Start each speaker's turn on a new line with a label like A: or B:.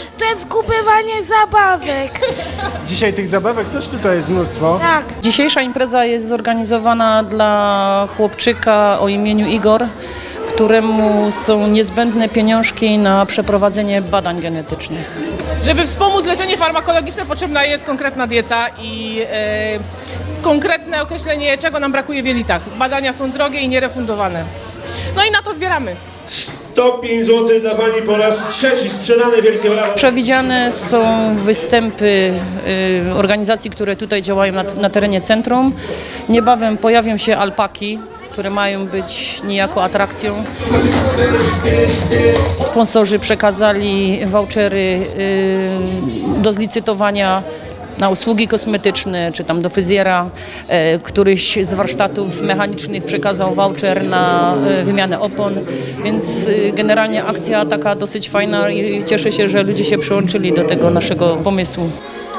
A: To jest kupywanie zabawek.
B: Dzisiaj tych zabawek też tutaj jest mnóstwo.
A: Tak.
C: Dzisiejsza impreza jest zorganizowana dla chłopczyka o imieniu Igor, któremu są niezbędne pieniążki na przeprowadzenie badań genetycznych.
D: Żeby wspomóc leczenie farmakologiczne, potrzebna jest konkretna dieta i konkretne określenie, czego nam brakuje w jelitach. Badania są drogie i nierefundowane. No i na to zbieramy.
E: 105 zł dla Pani po raz trzeci sprzedane, wielkie brawa.
C: Przewidziane są występy organizacji, które tutaj działają na terenie centrum. Niebawem pojawią się alpaki, które mają być niejako atrakcją. Sponsorzy przekazali vouchery do zlicytowania na usługi kosmetyczne, czy tam do fryzjera. Któryś z warsztatów mechanicznych przekazał voucher na wymianę opon, więc generalnie akcja taka dosyć fajna i cieszę się, że ludzie się przyłączyli do tego naszego pomysłu.